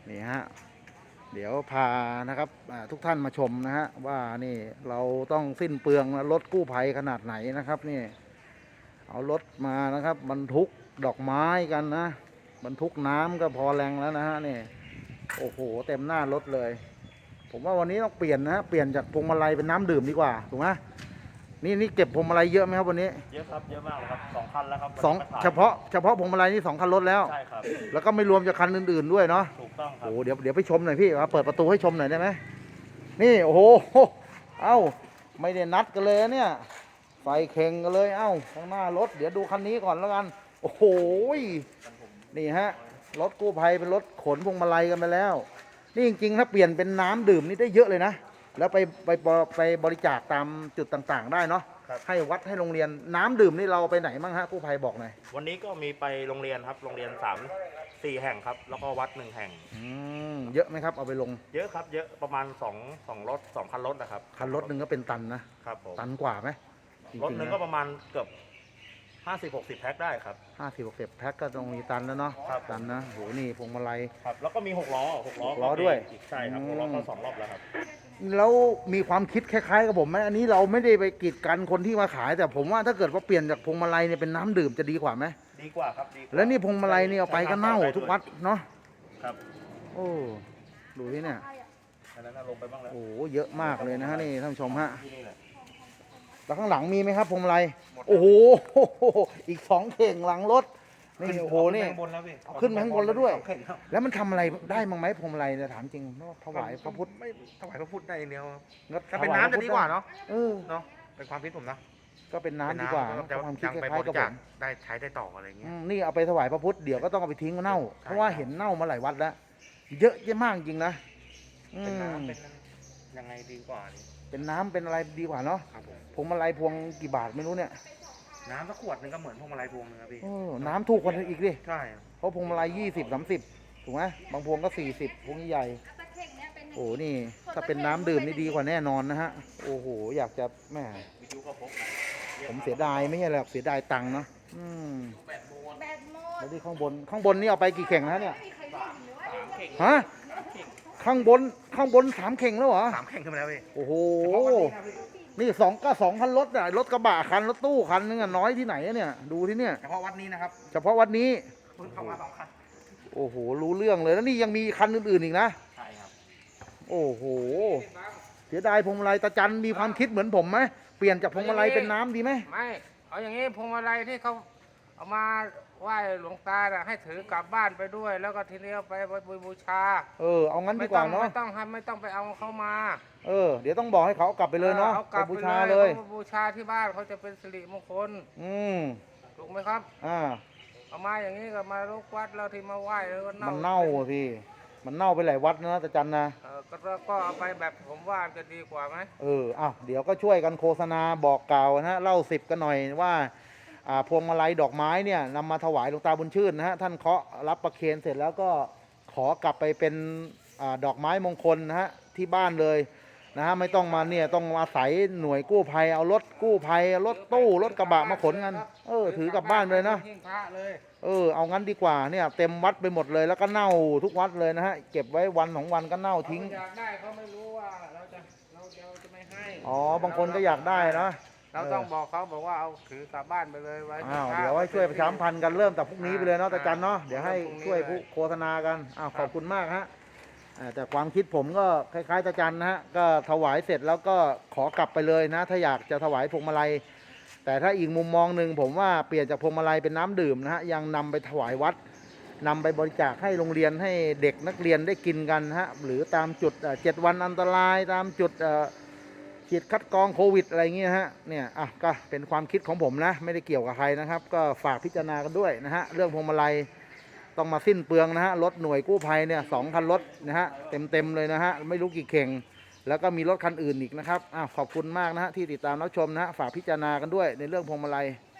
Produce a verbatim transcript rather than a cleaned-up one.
นี่ฮะเดี๋ยวพานะครับทุกท่านมาชมนะฮะว่านี่เราต้องสิ้นเปลืองรถกู้ภัยขนาดไหนนะครับนี่เอารถมานะครับบรรทุกดอกไม้กันนะบรรทุกน้ำก็พอแรงแล้วนะฮะนี่โอ้โหเต็มหน้ารถเลยผมว่าวันนี้ต้องเปลี่ยนนะเปลี่ยนจากพวงมาลัยเป็นน้ำดื่มดีกว่าถูกไหมนี่นี่เก็บพวงมาลัยเยอะไหมครับวันนี้เยอะครับเยอะมากเลยครับสองคันแล้วครับสองเฉพาะเฉพาะพวงมาลัยนี่สองคันรถแล้วใช่ครับแล้วก็ไม่รวมจากคันอื่นๆด้วยเนาะถูกต้องครับโอ้เดี๋ยวเดี๋ยวไปชมหน่อยพี่ครับเปิดประตูให้ชมหน่อยได้ไหมนี่โอ้โหเอ้าไม่ได้นัดกันเลยเนี่ยไฟเข่งกันเลยเอ้าข้างหน้ารถเดี๋ยวดูคันนี้ก่อนแล้วกันโอ้โหนี่ฮะรถกู้ภัยเป็นรถขนพวงมาลัยกันไปแล้วนี่จริงๆถ้าเปลี่ยนเป็นน้ำดื่มนี่ได้เยอะเลยนะแล้วไปไปไปบริจาคตามจุดต่างๆได้เนาะให้วัดให้โรงเรียนน้ำดื่มนี่เราไปไหนบ้างฮะกู้ภัยบอกหน่อยวันนี้ก็มีไปโรงเรียนครับโรงเรียนสามสี่แห่งครับแล้วก็วัดหนึ่งแห่งอืมเยอะไหมครับเอาไปลงเยอะครับเยอะประมาณสองสองรถสองคันรถนะครับคันรถหนึ่งก็เป็นตันนะครับผมตันกว่าไหมรถหนึ่งก็ประมาณเกือบห้าสิบหกสิบแพ็คได้ครับห้าสิบหกสิบแพ็คก็ตรงมีตันแล้วเนาะตันนะโหนี่พวงมาลัยครับแล้วก็มีหกล้อหกล้อล้อด้วยใช่ครับหกล้อก็สองรอบแล้วครับแล้วมีความคิดคล้ายๆกับผมไหมอันนี้เราไม่ได้ไปกีดกันคนที่มาขายแต่ผมว่าถ้าเกิดว่าเปลี่ยนจากพวงมาลัยเนี่ยเป็นน้ำดื่มจะดีกว่าไหมดีกว่าครับดีแล้วนี่พวงมาลัยนี่เอาไปก็เน่าทุกวัดเนาะครับโอ้ดูที่เนี่ยอันนั้นลงไปบ้างแล้วโอ้เยอะมากเลยนะฮะนี่ท่านผู้ชมฮะแล้วข้างหลังมีไหมครับพวงมาลัยโอ้โหอีกสองเข่งหลังรถนี่โอ้โหนี่ขึ้นมาข้างบนแล้วด้วยแล้วมันทำอะไรได้มั้งไหมพวงมาลัยเนี่ยถามจริงถวายพระพุทธไม่ถวายพระพุทธได้เดียวถ้าเป็นน้ำจะดีกว่าเนาะเออเนาะเป็นความคิดผมนะก็เป็นน้ำดีกว่าความคิดคล้ายๆกับผมได้ใช้ได้ต่ออะไรเงี้ยนี่เอาไปถวายพระพุทธเดี๋ยวก็ต้องเอาไปทิ้งเน่าเพราะว่าเห็นเน่ามาหลายวัดแล้วเยอะเยอะมากจริงนะเป็นน้ำเป็นยังไงดีกว่าเป็นน้ำเป็นอะไรดีกว่าเนาะพวงมาลัยพวงกี่บาทไม่รู้เนี่ยน้ำสักขวดนึงก็เหมือนพวงมาลัยพวงนึงครับพี่น้ำถูกกว่าอีกดิใช่เพราะพวงมาลัยยี่สิบสามสิบถูกไหมบางพวงก็สี่สิบพวงใหญ่โอ้นี่ถ้าเป็นน้ำดื่มนี่ดีกว่าแน่นอนนะฮะโอ้โหอยากจะแม่ผมเสียดายไม่ใช่หรอกเสียดายตังค์เนาะอืมแล้วที่ข้างบนข้างบนนี่เอาไปกี่เข่งนะเนี่ยฮะข้างบนข้างบนสามเข่งแล้วเหรอสามเข่งขึ้นมาแล้วพี่โอ้โหนี่สองก็สองคันรถอ่ะรถกระบะคันรถตู้คันนึงอ่ะน้อยที่ไหนเนี่ยดูที่เนี่ยเฉพาะวัดนี้นะครับเฉพาะวัดนี้เพิ่งเข้ามาสองคันโอ้โหรู้เรื่องเลยแล้วนี่ยังมีคันอื่นๆอีกนะใช่ครับโอ้โหเสียดายพวงมาลัยตาจันมีความคิดเหมือนผมไหมเปลี่ยนจากพวงมาลัยเป็นน้ำดีไหมไม่เอาอย่างนี้พวงมาลัยที่เขาเอามาไหว้หลวงตาให้ถือกลับบ้านไปด้วยแล้วก็ทีนี้เอาไปบูชาเออเอางั้นดีกว่าเนาะไม่ต้องไม่ต้องไปเอาเขามาเออเดี๋ยวต้องบอกให้เขากลับไปเลยเนาะไปบูชาเลยบูชาที่บ้านเขาจะเป็นสิริมงคลอืมถูกไหมครับอ่าเอามาอย่างนี้ก็มาลูกวัดแล้วที่มาไหว้แล้วก็เน่ามันเน่าพี่มันเน่าไปหลายวัดนะตาจันนะเออก็ก็เอาไปแบบผมว่าจะดีกว่าไหมเอออ้าวเดี๋ยวก็ช่วยกันโฆษณาบอกกล่าวนะเล่าสิบกันหน่อยว่าพวงมาลัยดอกไม้เนี่ยนำมาถวายหลวงตาบุญชื่นนะฮะท่านเคาะรับประเคนเสร็จแล้วก็ขอกลับไปเป็นอดอกไม้มงคลนะฮะที่บ้านเลยนะฮะไม่ต้องมาเนี่ยต้องอาศัยหน่วยกู้ภัยเอารถกู้ภัยรถตู้รถกระบะมาขนกันเออถือกลับบ้านเลยนะเออเอางั้นดีกว่าเนี่ยเต็มวัดไปหมดเลยแล้วก็เน่าทุกวัดเลยนะฮะเก็บไว้วันสองวันก็เน่าทิ้งอยากได้เขาไม่รู้ว่าเราจะเราจะไม่ให้อ๋อบางคนก็อยากได้นะเราต้องบอกเขาบอกว่าเอาถือกลับบ้านไปเลยไว้อ้าวเดี๋ยวให้ช่วยประชาสัมพันธ์กันเริ่มแต่พรุ่งนี้ไปเลยเนาะตาจันเนาะเดี๋ยวให้ช่วยผู้โฆษณากันอ้าวขอบคุณมากฮะแต่ความคิดผมก็คล้ายๆตาจันนะฮะก็ถวายเสร็จแล้วก็ขอกลับไปเลยนะถ้าอยากจะถวายพวงมาลัยแต่ถ้าอีกมุมมองหนึ่งผมว่าเปลี่ยนจากพวงมาลัยเป็นน้ำดื่มนะฮะยังนำไปถวายวัดนำไปบริจาคให้โรงเรียนให้เด็กนักเรียนได้กินกันฮะหรือตามจุดเจ็ดวันอันตรายตามจุดฉีดคัดกรองโควิดอะไรเงี้ยฮะเนี่ยอ่ะก็เป็นความคิดของผมนะไม่ได้เกี่ยวกับใครนะครับก็ฝากพิจารณากันด้วยนะฮะเรื่องพวงมาลัยต้องมาสิ้นเปลืองนะฮะรถหน่วยกู้ภัยเนี่ยสองคันรถนะฮะเต็มเต็มเลยนะฮะไม่รู้กี่เข่งแล้วก็มีรถคันอื่นอีกนะครับอ้าวขอบคุณมากนะฮะที่ติดตามรับชมนะฮะฝากพิจารณากันด้วยในเรื่องพวงมาลัย